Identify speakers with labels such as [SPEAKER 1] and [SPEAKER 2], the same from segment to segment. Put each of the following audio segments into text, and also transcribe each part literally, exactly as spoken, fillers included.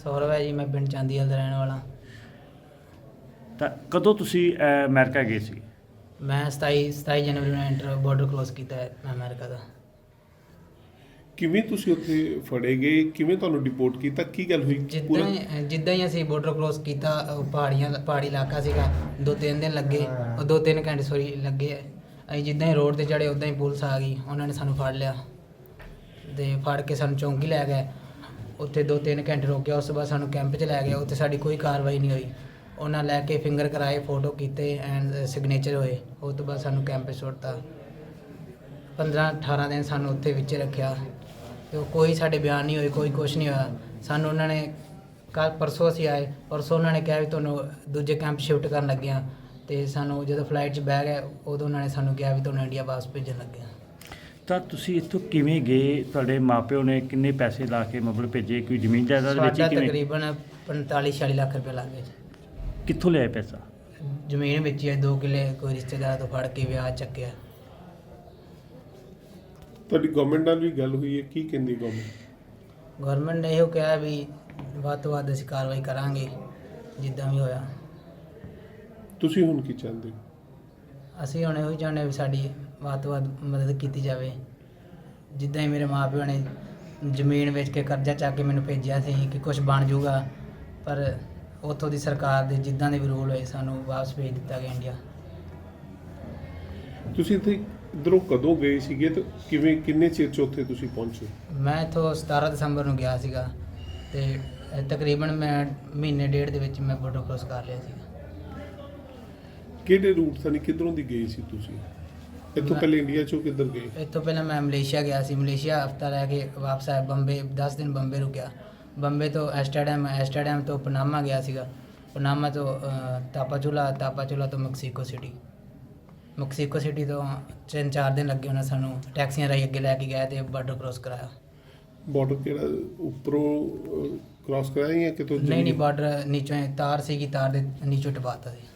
[SPEAKER 1] ਸੌਰਵ ਹੈ ਜੀ, ਮੈਂ ਪਿੰਡ ਚਾਂਦੀਵਾਲ ਦਾ ਰਹਿਣ ਵਾਲਾ।
[SPEAKER 2] ਤਾਂ ਕਦੋਂ ਤੁਸੀਂ ਅਹ, ਅਮਰੀਕਾ ਗਏ ਸੀ?
[SPEAKER 1] ਮੈਂ ਸਤਾਈ ਸਤਾਈ ਜਨਵਰੀ ਨੂੰ ਐਂਟਰ ਬਾਰਡਰ ਕ੍ਰੋਸ ਕੀਤਾ ਹੈ ਅਮਰੀਕਾ ਦਾ।
[SPEAKER 3] ਕਿਵੇਂ ਤੁਸੀਂ ਉੱਥੇ ਫੜੇ ਗਏ, ਕਿਵੇਂ ਤੁਹਾਨੂੰ ਡਿਪੋਰਟ ਕੀਤਾ, ਕੀ ਗੱਲ ਹੋਈ
[SPEAKER 1] ਜਿੱਦਾਂ
[SPEAKER 3] ਪੂਰਾ?
[SPEAKER 1] ਹੀ ਜਿੱਦਾਂ ਹੀ ਅਸੀਂ ਬਾਰਡਰ ਕ੍ਰੋਸ ਕੀਤਾ, ਉਹ ਪਹਾੜੀਆਂ ਪਹਾੜੀ ਇਲਾਕਾ ਸੀਗਾ, ਦੋ ਤਿੰਨ ਦਿਨ ਲੱਗੇ, ਉਹ ਦੋ ਤਿੰਨ ਘੰਟੇ ਸੋਰੀ ਲੱਗੇ। ਅਸੀਂ ਜਿੱਦਾਂ ਹੀ ਰੋਡ ਤੇ ਚੜ੍ਹੇ ਉੱਦਾਂ ਹੀ ਪੁਲਿਸ ਆ ਗਈ, ਉਹਨਾਂ ਨੇ ਸਾਨੂੰ ਫੜ ਲਿਆ ਤੇ ਫੜ ਕੇ ਸਾਨੂੰ ਚੌਂਕੀ ਲੈ ਗਏ। ਉੱਥੇ ਦੋ ਤਿੰਨ ਘੰਟੇ ਰੋਕਿਆ, ਉਸ ਤੋਂ ਬਾਅਦ ਸਾਨੂੰ ਕੈਂਪ 'ਚ ਲੈ ਗਏ। ਉੱਥੇ ਸਾਡੀ ਕੋਈ ਕਾਰਵਾਈ ਨਹੀਂ ਹੋਈ। ਉਹਨਾਂ ਲੈ ਕੇ ਫਿੰਗਰ ਕਰਾਏ, ਫੋਟੋ ਕੀਤੇ ਐਂਡ ਸਿਗਨੇਚਰ ਹੋਏ। ਉਸ ਤੋਂ ਬਾਅਦ ਸਾਨੂੰ ਕੈਂਪ 'ਚ ਸੁੱਟਤਾ। ਪੰਦਰਾਂ ਅਠਾਰਾਂ ਦਿਨ ਸਾਨੂੰ ਉੱਥੇ ਵਿੱਚ ਰੱਖਿਆ ਤੇ ਕੋਈ ਸਾਡੇ ਬਿਆਨ ਨਹੀਂ ਹੋਏ, ਕੋਈ ਕੁਛ ਨਹੀਂ ਹੋਇਆ। ਸਾਨੂੰ ਉਹਨਾਂ ਨੇ ਕੱਲ੍ਹ ਪਰਸੋਂ ਅਸੀਂ ਆਏ, ਪਰਸੋਂ ਉਹਨਾਂ ਨੇ ਕਿਹਾ ਵੀ ਤੁਹਾਨੂੰ ਦੂਜੇ ਕੈਂਪ ਸ਼ਿਫਟ ਕਰਨ ਲੱਗੇ ਹਾਂ। ਅਤੇ ਸਾਨੂੰ ਜਦੋਂ ਫਲਾਈਟ 'ਚ ਬਹਿ ਗਏ ਉਦੋਂ ਉਹਨਾਂ ਨੇ ਸਾਨੂੰ ਕਿਹਾ ਵੀ ਤੁਹਾਨੂੰ ਇੰਡੀਆ ਵਾਪਸ ਭੇਜਣ ਲੱਗੇ ਹਾਂ।
[SPEAKER 2] ਤਾਂ ਤੁਸੀਂ ਇੱਥੋਂ ਕਿਵੇਂ ਗਏ? ਤੁਹਾਡੇ ਮਾਪਿਓ ਨੇ ਕਿੰਨੇ ਪੈਸੇ ਲਾ ਕੇ ਮਤਲਬ ਭੇਜੇ? ਕੋਈ ਜ਼ਮੀਨ ਜਾਇਦਾਦ
[SPEAKER 1] ਸਾਡਾ
[SPEAKER 2] ਵੇਚੀ? ਕਿਵੇਂ?
[SPEAKER 1] ਤਕਰੀਬਨ ਪੰਤਾਲੀ ਛਿਆਲੀ ਲੱਖ ਰੁਪਏ ਲੱਗ ਗਏ।
[SPEAKER 2] ਕਿੱਥੋਂ ਲਿਆਏ ਪੈਸਾ?
[SPEAKER 1] ਜ਼ਮੀਨ ਵੇਚੀ ਹੈ, ਦੋ ਕਿੱਲੇ ਕੋਈ ਰਿਸ਼ਤੇਦਾਰ ਤੋਂ ਫੜ ਕੇ ਵਿਆਹ ਚੱਕਿਆ।
[SPEAKER 3] ਤੁਹਾਡੀ ਗਵਰਨਮੈਂਟ ਨਾਲ ਵੀ ਗੱਲ ਹੋਈ ਹੈ, ਕੀ ਕਹਿੰਦੀ ਗਵਰਨਮੈਂਟ?
[SPEAKER 1] ਗਵਰਨਮੈਂਟ ਨੇ ਇਹੋ ਕਿਹਾ ਵੀ ਵੱਧ ਤੋਂ ਵੱਧ ਅਸੀਂ ਕਾਰਵਾਈ ਕਰਾਂਗੇ ਜਿੱਦਾਂ ਵੀ ਹੋਇਆ।
[SPEAKER 3] ਤੁਸੀਂ ਹੁਣ ਕੀ ਚਾਹੁੰਦੇ ਹੋ?
[SPEAKER 1] ਅਸੀਂ ਹੁਣ ਇਹੋ ਹੀ ਚਾਹੁੰਦੇ ਵੀ ਸਾਡੀ ਵੱਧ ਤੋਂ ਵੱਧ ਮਦਦ ਕੀਤੀ ਜਾਵੇ। ਜਿੱਦਾਂ ਹੀ ਮੇਰੇ ਮਾਂ ਪਿਓ ਨੇ ਜ਼ਮੀਨ ਵੇਚ ਕੇ ਕਰਜ਼ਾ ਚੱਕ ਕੇ ਮੈਨੂੰ ਭੇਜਿਆ ਸੀ ਕਿ ਕੁਝ ਬਣ ਜਾਊਗਾ, ਪਰ ਉੱਥੋਂ ਦੀ ਸਰਕਾਰ ਦੇ ਜਿੱਦਾਂ ਦੇ ਵੀ ਰੂਲ ਹੋਏ ਸਾਨੂੰ ਵਾਪਸ ਭੇਜ ਦਿੱਤਾ ਗਿਆ ਇੰਡੀਆ।
[SPEAKER 3] ਤੁਸੀਂ ਇੱਥੇ ਇੱਧਰੋਂ ਕਦੋਂ ਗਏ ਸੀਗੇ ਤੇ ਕਿਵੇਂ, ਕਿੰਨੇ ਚਿਰ 'ਚ ਉੱਥੇ ਤੁਸੀਂ ਪਹੁੰਚੇ?
[SPEAKER 1] ਮੈਂ ਇੱਥੋਂ ਸਤਾਰਾਂ ਦਸੰਬਰ ਨੂੰ ਗਿਆ ਸੀਗਾ ਅਤੇ ਤਕਰੀਬਨ ਮੈਂ ਮਹੀਨੇ ਡੇਢ ਦੇ ਵਿੱਚ ਮੈਂ ਬਾਰਡਰ ਕ੍ਰੋਸ ਕਰ ਲਿਆ ਸੀਗਾ।
[SPEAKER 3] ਕਿਹੜੇ ਰੂਟ ਤੋਂ, ਕਿੱਧਰੋਂ ਦੀ ਗਏ ਸੀ ਤੁਸੀਂ? ਇੱਥੋਂ ਪਹਿਲੇ ਇੰਡੀਆ 'ਚੋਂ ਕਿੱਧਰ ਗਏ?
[SPEAKER 1] ਇੱਥੋਂ ਪਹਿਲਾਂ ਮੈਂ ਮਲੇਸ਼ੀਆ ਗਿਆ ਸੀ। ਮਲੇਸ਼ੀਆ ਹਫ਼ਤਾ ਰਹਿ ਕੇ ਵਾਪਸ ਆਇਆ। ਬੰਬੇ ਦਸ ਦਿਨ ਬੰਬੇ ਰੁਕਿਆ। ਬੰਬੇ ਤੋਂ ਐਸਟਰਡਮ ਐਸਟਰਡਮ ਤੋਂ ਪਨਾਮਾ ਗਿਆ ਸੀਗਾ। ਪਨਾਮਾ ਤੋਂ ਤਾਪਾਚੁਲਾ, ਤਾਪਾਚੁਲਾ ਤੋਂ ਮੈਕਸੀਕੋ ਸਿਟੀ। ਮੈਕਸੀਕੋ ਸਿਟੀ ਤੋਂ ਤਿੰਨ ਚਾਰ ਦਿਨ ਲੱਗੇ ਉਹਨਾਂ ਸਾਨੂੰ ਟੈਕਸੀਆਂ ਰਾਹੀਂ ਅੱਗੇ ਲੈ ਕੇ ਗਏ ਅਤੇ ਬਾਰਡਰ ਕ੍ਰੋਸ ਕਰਾਇਆ।
[SPEAKER 3] ਬਾਰਡਰ ਕਿਹੜਾ ਉੱਪਰੋਂ ਕ੍ਰਾਸ ਕਰਾਇਆ ਜਾਂ ਕਿਤੋਂ?
[SPEAKER 1] ਨਹੀਂ ਨਹੀਂ ਬਾਰਡਰ ਨੀਚੋਂ ਤਾਰ ਸੀਗੀ, ਤਾਰ ਦੇ ਨੀਚੋਂ ਟਪਾਤਾ ਸੀ।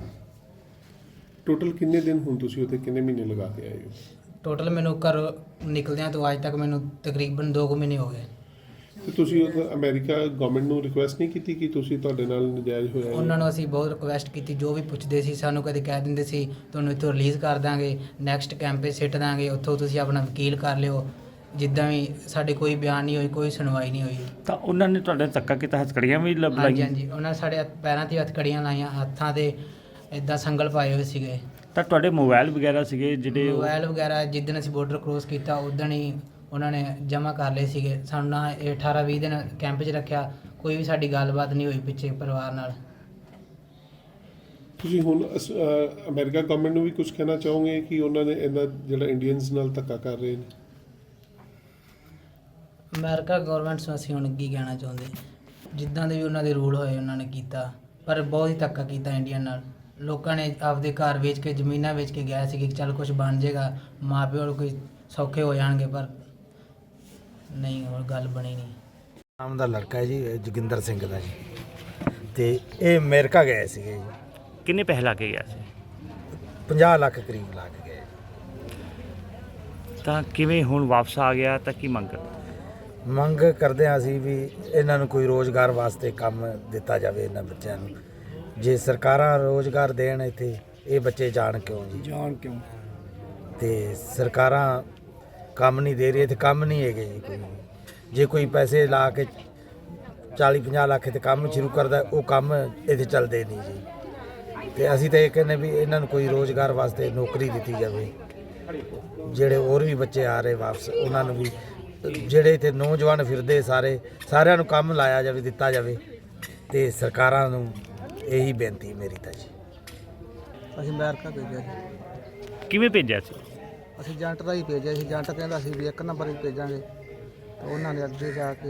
[SPEAKER 3] ਟੋਟਲ ਕਿੰਨੇ ਦਿਨ ਹੁਣ ਤੁਸੀਂ ਉੱਥੇ ਕਿੰਨੇ ਮਹੀਨੇ ਲਗਾ ਕੇ ਆਏ ਹੋ?
[SPEAKER 1] ਟੋਟਲ ਮੈਨੂੰ ਘਰ ਨਿਕਲਦਿਆਂ ਤੋਂ ਅੱਜ ਤੱਕ ਮੈਨੂੰ ਤਕਰੀਬਨ ਦੋ ਕੁ ਮਹੀਨੇ ਹੋ ਗਏ।
[SPEAKER 3] ਤੇ ਤੁਸੀਂ ਉੱਥੇ ਅਮਰੀਕਾ ਗਵਰਨਮੈਂਟ ਨੂੰ ਰਿਕੁਐਸਟ ਨਹੀਂ ਕੀਤੀ ਕਿ ਤੁਸੀਂ ਤੁਹਾਡੇ ਨਾਲ ਨਜਾਇਜ਼ ਹੋਇਆ?
[SPEAKER 1] ਉਹਨਾਂ ਨੂੰ ਅਸੀਂ ਬਹੁਤ ਰਿਕੁਐਸਟ ਕੀਤੀ, ਜੋ ਵੀ ਪੁੱਛਦੇ ਸੀ ਸਾਨੂੰ ਕਦੇ ਕਹਿ ਦਿੰਦੇ ਸੀ ਤੁਹਾਨੂੰ ਇੱਥੋਂ ਰਿਲੀਜ਼ ਕਰ ਦਾਂਗੇ, ਨੈਕਸਟ ਕੈਂਪੇ ਸਿੱਟ ਦਾਂਗੇ, ਉੱਥੋਂ ਤੁਸੀਂ ਆਪਣਾ ਵਕੀਲ ਕਰ ਲਿਓ। ਜਿੱਦਾਂ ਵੀ ਸਾਡੇ ਕੋਈ ਬਿਆਨ ਨਹੀਂ ਹੋਈ, ਕੋਈ ਸੁਣਵਾਈ ਨਹੀਂ ਹੋਈ।
[SPEAKER 2] ਤਾਂ ਉਹਨਾਂ ਨੇ ਤੁਹਾਡੇ ਧੱਕਾ ਕੀਤਾ, ਹੱਥਕੜੀਆਂ ਵੀ ਲੱਭ
[SPEAKER 1] ਹਾਂਜੀ
[SPEAKER 2] ਲਾਈਆਂ?
[SPEAKER 1] ਹਾਂਜੀ, ਉਹਨਾਂ ਨੇ ਸਾਡੇ ਹੱਥ- ਪੈਰਾਂ 'ਤੇ ਹੱਥਕੜੀਆਂ ਲਾਈਆਂ, ਹੱਥਾਂ 'ਤੇ ਇੱਦਾਂ ਸੰਗਲ ਪਾਏ ਹੋਏ ਸੀਗੇ।
[SPEAKER 2] ਤਾਂ ਤੁਹਾਡੇ ਮੋਬਾਈਲ ਵਗੈਰਾ ਸੀਗੇ ਜਿਹੜੇ ਉਹ-
[SPEAKER 1] ਮੋਬਾਈਲ ਵਗੈਰਾ ਜਿੱਦਣ ਅਸੀਂ ਬਾਰਡਰ ਕ੍ਰੋਸ ਕੀਤਾ ਉਦਣ ਹੀ ਉਹਨਾਂ ਨੇ ਜਮ੍ਹਾਂ ਕਰ ਲਏ ਸੀਗੇ। ਸਾਨੂੰ ਨਾ ਇਹ ਅਠਾਰਾਂ ਵੀਹ ਦਿਨ ਕੈਂਪ 'ਚ ਰੱਖਿਆ, ਕੋਈ ਵੀ ਸਾਡੀ ਗੱਲਬਾਤ ਨਹੀਂ ਹੋਈ ਪਿੱਛੇ ਪਰਿਵਾਰ ਨਾਲ।
[SPEAKER 3] ਤੁਸੀਂ ਹੁਣ ਅਸ- ਅ, ਅਮਰੀਕਾ ਗਵਰਨਮੈਂਟ ਨੂੰ ਵੀ ਕੁਝ ਕਹਿਣਾ ਚਾਹੋਗੇ ਕਿ ਉਹਨਾਂ ਨੇ ਇਹਨਾਂ ਜਿਹੜਾ ਇੰਡੀਅਨਸ ਨਾਲ ਧੱਕਾ ਕਰ ਰਹੇ ਨੇ?
[SPEAKER 1] ਅਮਰੀਕਾ ਗੌਰਮੈਂਟ ਨੂੰ ਅਸੀਂ ਹੁਣ ਕੀ ਕਹਿਣਾ ਚਾਹੁੰਦੇ, ਜਿੱਦਾਂ ਦੇ ਵੀ ਉਹਨਾਂ ਦੇ ਰੂਲ ਹੋਏ ਉਹਨਾਂ ਨੇ ਕੀਤਾ, ਪਰ ਬਹੁਤ ਹੀ ਧੱਕਾ ਕੀਤਾ ਇੰਡੀਆ ਨਾਲ। ਲੋਕਾਂ ਨੇ ਆਪਦੇ ਘਰ ਵੇਚ ਕੇ, ਜ਼ਮੀਨਾਂ ਵੇਚ ਕੇ ਗਿਆ ਸੀ ਕਿ ਚੱਲ ਕੁਝ ਬਣ ਜਾਏਗਾ, ਮਾਂ ਪਿਓ ਨੂੰ ਕੋਈ ਸੌਖੇ ਹੋ ਜਾਣਗੇ, ਪਰ ਨਹੀਂ, ਹੋਰ ਗੱਲ ਬਣੀ ਨਹੀਂ।
[SPEAKER 4] ਨਾਮ ਦਾ ਲੜਕਾ ਹੈ ਜੀ, ਜੋਗਿੰਦਰ ਸਿੰਘ ਦਾ ਜੀ, ਤੇ ਇਹ ਅਮਰੀਕਾ ਗਏ ਸੀਗੇ ਜੀ।
[SPEAKER 2] ਕਿੰਨੇ ਪੈਸੇ ਲਾ ਕੇ ਗਿਆ ਸੀ?
[SPEAKER 4] ਪੰਜਾਹ ਲੱਖ ਕਰੀਬ ਲਾ ਕੇ ਗਏ।
[SPEAKER 2] ਤਾਂ ਕਿਵੇਂ ਹੁਣ ਵਾਪਸ ਆ ਗਿਆ? ਤਾਂ ਕੀ ਮੰਗ?
[SPEAKER 4] ਮੰਗ ਕਰਦੇ ਹਾਂ ਅਸੀਂ ਵੀ ਇਹਨਾਂ ਨੂੰ ਕੋਈ ਰੋਜ਼ਗਾਰ ਵਾਸਤੇ ਕੰਮ ਦਿੱਤਾ ਜਾਵੇ ਇਹਨਾਂ ਬੱਚਿਆਂ ਨੂੰ। ਜੇ ਸਰਕਾਰਾਂ ਰੋਜ਼ਗਾਰ ਦੇਣ ਇੱਥੇ, ਇਹ ਬੱਚੇ ਜਾਣ ਕਿਉਂ ਜੀ?
[SPEAKER 5] ਜਾਣ ਕਿਉਂ?
[SPEAKER 4] ਤੇ ਸਰਕਾਰਾਂ ਕੰਮ ਨਹੀਂ ਦੇ ਰਹੀ, ਇੱਥੇ ਕੰਮ ਨਹੀਂ ਹੈਗੇ ਜੀ ਕੋਈ। ਜੇ ਕੋਈ ਪੈਸੇ ਲਾ ਕੇ ਚਾਲੀ ਪੰਜਾਹ ਲੱਖ ਤੇ ਕੰਮ ਸ਼ੁਰੂ ਕਰਦਾ, ਉਹ ਕੰਮ ਇੱਥੇ ਚੱਲਦੇ ਨਹੀਂ ਜੀ। ਤੇ ਅਸੀਂ ਤਾਂ ਇਹ ਕਹਿੰਦੇ ਵੀ ਇਹਨਾਂ ਨੂੰ ਕੋਈ ਰੋਜ਼ਗਾਰ ਵਾਸਤੇ ਨੌਕਰੀ ਦਿੱਤੀ ਜਾਵੇ। ਜਿਹੜੇ ਹੋਰ ਵੀ ਬੱਚੇ ਆ ਰਹੇ ਵਾਪਸ, ਉਹਨਾਂ ਨੂੰ ਵੀ, ਜਿਹੜੇ ਇੱਥੇ ਨੌਜਵਾਨ ਫਿਰਦੇ ਸਾਰੇ, ਸਾਰਿਆਂ ਨੂੰ ਕੰਮ ਲਾਇਆ ਜਾਵੇ, ਦਿੱਤਾ ਜਾਵੇ। ਤੇ ਸਰਕਾਰਾਂ ਨੂੰ ਇਹੀ ਬੇਨਤੀ ਮੇਰੀ ਤਾਂ ਜੀ।
[SPEAKER 5] ਅਸੀਂ ਅਮਰੀਕਾ ਭੇਜਿਆ ਸੀ।
[SPEAKER 2] ਕਿਵੇਂ ਭੇਜਿਆ ਸੀ?
[SPEAKER 5] ਅਸੀਂ ਏਜੰਟ ਦਾ ਹੀ ਭੇਜਿਆ ਸੀ। ਏਜੰਟ ਕਹਿੰਦਾ ਸੀ ਵੀ ਇੱਕ ਨੰਬਰ ਹੀ ਭੇਜਾਂਗੇ, ਤੇ ਉਹਨਾਂ ਨੇ ਅੱਗੇ ਜਾ ਕੇ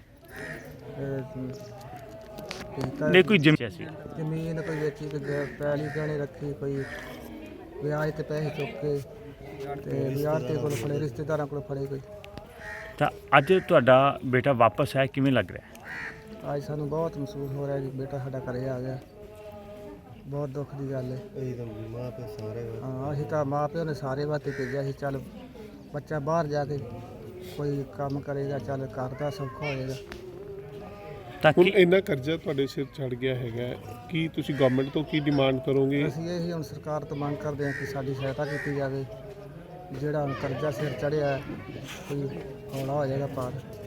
[SPEAKER 5] ਭੇਜਤਾ।
[SPEAKER 2] ਨਹੀਂ ਕੋਈ ਜ਼ਮੀਨ ਸੀ?
[SPEAKER 5] ਜ਼ਮੀਨ ਕੋਈ ਵੇਚੀ, ਕੋਈ ਪੈਲੀ ਗਹਿਣੇ ਰੱਖੀ, ਕੋਈ ਵਿਆਜ ਤੇ ਪੈਸੇ ਚੁੱਕ ਕੇ, ਤੇ ਵਿਆਜ ਤੇ ਕੋਲ ਫੜੇ, ਰਿਸ਼ਤੇਦਾਰਾਂ ਕੋਲ ਫੜੇ ਕੋਈ।
[SPEAKER 2] ਤਾਂ ਅੱਜ ਤੁਹਾਡਾ ਬੇਟਾ ਵਾਪਸ ਆਇਆ, ਕਿਵੇਂ ਲੱਗ ਰਿਹਾ?
[SPEAKER 5] ਅੱਜ ਸਾਨੂੰ ਬਹੁਤ ਮਹਿਸੂਸ ਹੋ ਰਿਹਾ ਜੀ, ਬੇਟਾ ਸਾਡਾ ਘਰੇ ਆ ਗਿਆ। ਬਹੁਤ ਦੁੱਖ ਦੀ ਗੱਲ ਹੈ। ਹਾਂ, ਅਸੀਂ ਤਾਂ ਮਾਂ ਪਿਓ ਨੇ ਸਾਰੇ ਵਾਸਤੇ ਭੇਜਿਆ ਸੀ, ਚੱਲ ਬੱਚਾ ਬਾਹਰ ਜਾ ਕੇ ਕੋਈ ਕੰਮ ਕਰੇਗਾ, ਚੱਲ ਘਰ ਦਾ ਸੌਖਾ ਹੋਏਗਾ।
[SPEAKER 2] ਤਾਂ
[SPEAKER 3] ਹੁਣ
[SPEAKER 2] ਕਿ
[SPEAKER 3] ਇੰਨਾ ਕਰਜ਼ਾ ਤੁਹਾਡੇ ਸਿਰ ਚੜ ਗਿਆ ਹੈਗਾ, ਕੀ ਤੁਸੀਂ ਗਵਰਨਮੈਂਟ ਤੋਂ ਕੀ ਡਿਮਾਂਡ ਕਰੋਗੇ?
[SPEAKER 5] ਅਸੀਂ ਇਹੀ ਹੁਣ ਸਰਕਾਰ ਤੋਂ ਮੰਗ ਕਰਦੇ ਹਾਂ ਕਿ ਸਾਡੀ ਸਹਾਇਤਾ ਕੀਤੀ ਜਾਵੇ। ਜਿਹੜਾ ਹੁਣ ਕਰਜ਼ਾ ਸਿਰ ਚੜਿਆ ਕੋਈ ਹੌਲਾ ਹੋ ਜਾਏਗਾ ਪਾਰ।